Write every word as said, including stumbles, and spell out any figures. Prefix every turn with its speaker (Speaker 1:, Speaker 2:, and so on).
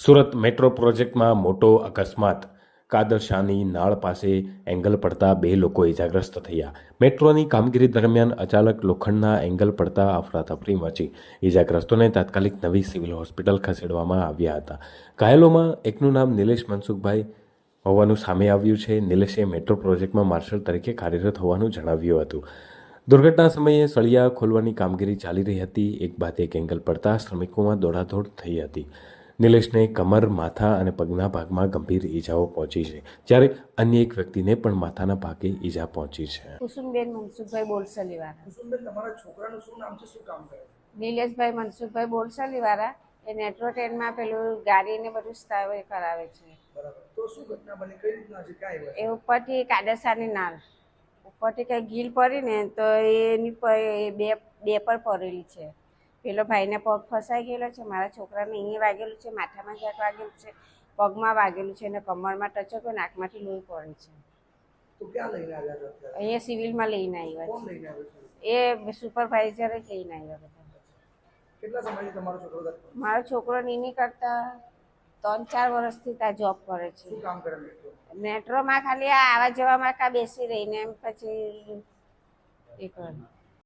Speaker 1: Surat metro પ્રોજેક્ટમાં મોટો અકસ્માત. કાદરશાની નાળ પાસે એંગલ પડતા બે લોકો ઇજાગ્રસ્ત થયા. મેટ્રોની કામગીરી દરમિયાન અચાનક લોખંડના એંગલ પડતા અફરાતફરી મચી. ઇજાગ્રસ્તોને તાત્કાલિક નવી સિવિલ હોસ્પિટલ ખસેડવામાં આવ્યા હતા. ઘાયલોમાં એકનું નામ નિલેશ મનસુખભાઈ હોવાનું સામે આવ્યું છે. નિલેશે મેટ્રો પ્રોજેક્ટમાં માર્શલ તરીકે કાર્યરત હોવાનું જણાવ્યું હતું. દુર્ઘટના સમયે સળિયા ખોલવાની કામગીરી ચાલી રહી હતી. એક બાદ એક એંગલ પડતા શ્રમિકોમાં દોડાદોડ થઈ હતી. નિલેશને કમર, માથા અને પગના ભાગમાં ગંભીર ઈજાઓ પહોંચી છે, જ્યારે અન્ય એક વ્યક્તિને પણ માથાના ભાગે ઈજા પહોંચી છે.
Speaker 2: કુસુમબેન મનસુખભાઈ બોરસલીવાળા.
Speaker 3: કુસુમબેન, તમારા છોકરાનું શું નામ છે, શું કામ કરે છે?
Speaker 2: નિલેશભાઈ મનસુખભાઈ બોરસલીવાળા. એ મેટ્રો ટ્રેનમાં પેલું ગાડીને બધું સ્થાવે કરાવે છે.
Speaker 3: બરાબર. તો શું ઘટના બની, કઈ રીતના છે, ક્યાં આવ્યા?
Speaker 2: એ ઉપરથી કાદરસાની નાળ ઉપરથી કંઈ ગીલ પડી ને તો એની પર બે બે પર પડેલી છે. પેલો ભાઈને પગ ફસાઈ ગયેલો છે, મારા છોકરાને અહીંયા વાગેલું છે, માથામાં ક્યાંક વાગેલું છે, પગમાં વાગેલું છે અને કમરમાં ટચકો, નાકમાંથી લોહી પડે છે.
Speaker 3: તો ક્યાં લઈને આવ્યા છો અત્યારે?
Speaker 2: અહીંયા સિવિલમાં લઈને આવ્યા
Speaker 3: કોણ
Speaker 2: છે.
Speaker 3: લઈને આવ્યો છે?
Speaker 2: એ સુપરવાઇઝરે જ લઈને આવ્યા બધા.
Speaker 3: કેટલા સમયથી તમારો છોકરો કરતો?
Speaker 2: મારો છોકરો નીની કરતા ત્રણ ચાર વર્ષથી ત્યાં જોબ કરે છે.
Speaker 3: શું કામ કરે મેટ્રો?
Speaker 2: મેટ્રોમાં ખાલી આ આવવા જવામાં કાં બેસી રહીને એમ પછી એ કરે.